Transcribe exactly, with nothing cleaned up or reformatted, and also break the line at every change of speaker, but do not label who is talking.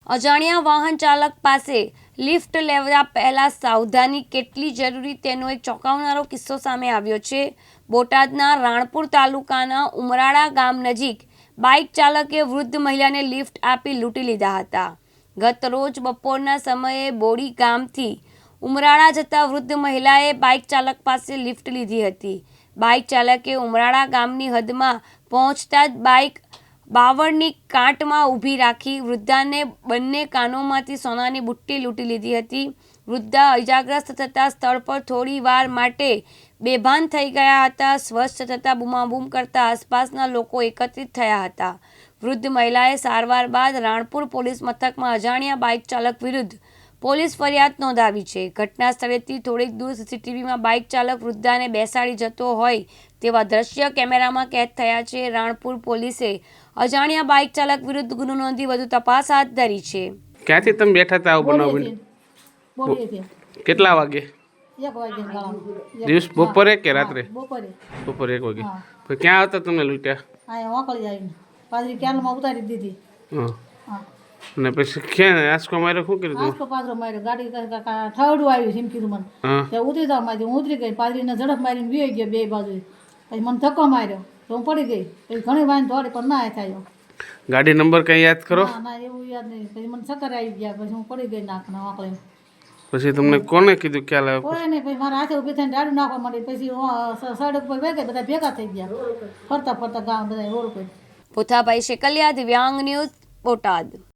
અજાણ્યા વાહન ચાલક પાસે લિફ્ટ લેવા પહેલા સાવધાની કેટલી જરૂરી તેનો એક ચોંકાવનારો કિસ્સો સામે આવ્યો છે। બોટાદના રાણપુર તાલુકાના ઉમરાળા ગામ નજીક બાઇક ચાલકે વૃદ્ધ મહિલાને લિફ્ટ આપી લૂંટી લીધા હતા। ગત રોજ બપોરના સમયે બોડી ગામથી ઉમરાળા જતા વૃદ્ધ મહિલાએ બાઇક ચાલક પાસે લિફ્ટ લીધી હતી। બાઇક ચાલકે ઉમરાળા ગામની હદમાં પહોંચતા જ બાઇક બાવળની કાંટમાં ઊભી રાખી વૃદ્ધાને બંને કાનોમાંથી સોનાની બુટ્ટી લૂંટી લીધી હતી। વૃદ્ધા ઇજાગ્રસ્ત થતાં સ્થળ પર થોડી વાર માટે બેભાન થઈ ગયા હતા। સ્વસ્થ થતાં બૂમાબૂમ કરતા આસપાસના લોકો એકત્રિત થયા હતા। વૃદ્ધ મહિલાએ સારવાર બાદ રાણપુર પોલીસ મથકમાં અજાણ્યા બાઇક ચાલક વિરુદ્ધ પોલીસ ફરિયાદ નોંધાવી છે। ઘટના સ્થળેથી થોડીક દૂર સીસીટીવીમાં બાઇક ચાલક વૃદ્ધાને બેસાડી જતો હોય તેવા દ્રશ્ય કેમેરામાં કેદ થયા છે। રાણપુર પોલીસે અજાણ્યા બાઇક ચાલક વિરુદ્ધ ગુનો નોંધી વધુ તપાસ હાથ ધરી છે।
ક્યાંથી તમે બેઠા હતા બનાવ? કેટલા વાગે?
એક વાગે ગાળામાં
દિવસ બપોરે કે રાત્રે?
બપોરે
બપોરે એક વાગે। તો ક્યાં હતા તમને લૂંટ્યા?
આ વાંકળી આવીને પાદરી કેનમાં ઉતારી દીધી।
હા
હા
અને પછી ક્યાં આંસકો માર્યો? શું કર્યું?
આંસકો પાદરો માર્યો, ગાડી ઠાવડું આવ્યું છે એમ કીધું મને। ત્યાં ઉતરી જાવ મારી હું ઉતરી ગઈ, પાદરીને ઝડપ મારીને વી ગયો બે બાજુ। પછી મને ધક્કો માર્યો તો હું પડી ગઈ। પછી ઘણી વાર દોડી પણ ના થયો।
ગાડી નંબર કઈ યાદ કરો?
ના ના એવું યાદ નહીં। પછી મને ચક્કર આવી ગયા, પછી હું પડી ગઈ નાકના વાંકળે।
પછી તમને કોને કીધું ખ્યાલ આવ્યો?
કોઈ નહીં, પછી મારા હાથે ઊભી થઈને દાડું નાખવા માંડી। પછી સડક પર વેગે બધા ભેગા થઈ ગયા, ફરતા ફરતા ગામ બધા રોડ પર।
પોથાભાઈ શેકલિયા, દિવ્યાંગ ન્યૂઝ, બોટાદ।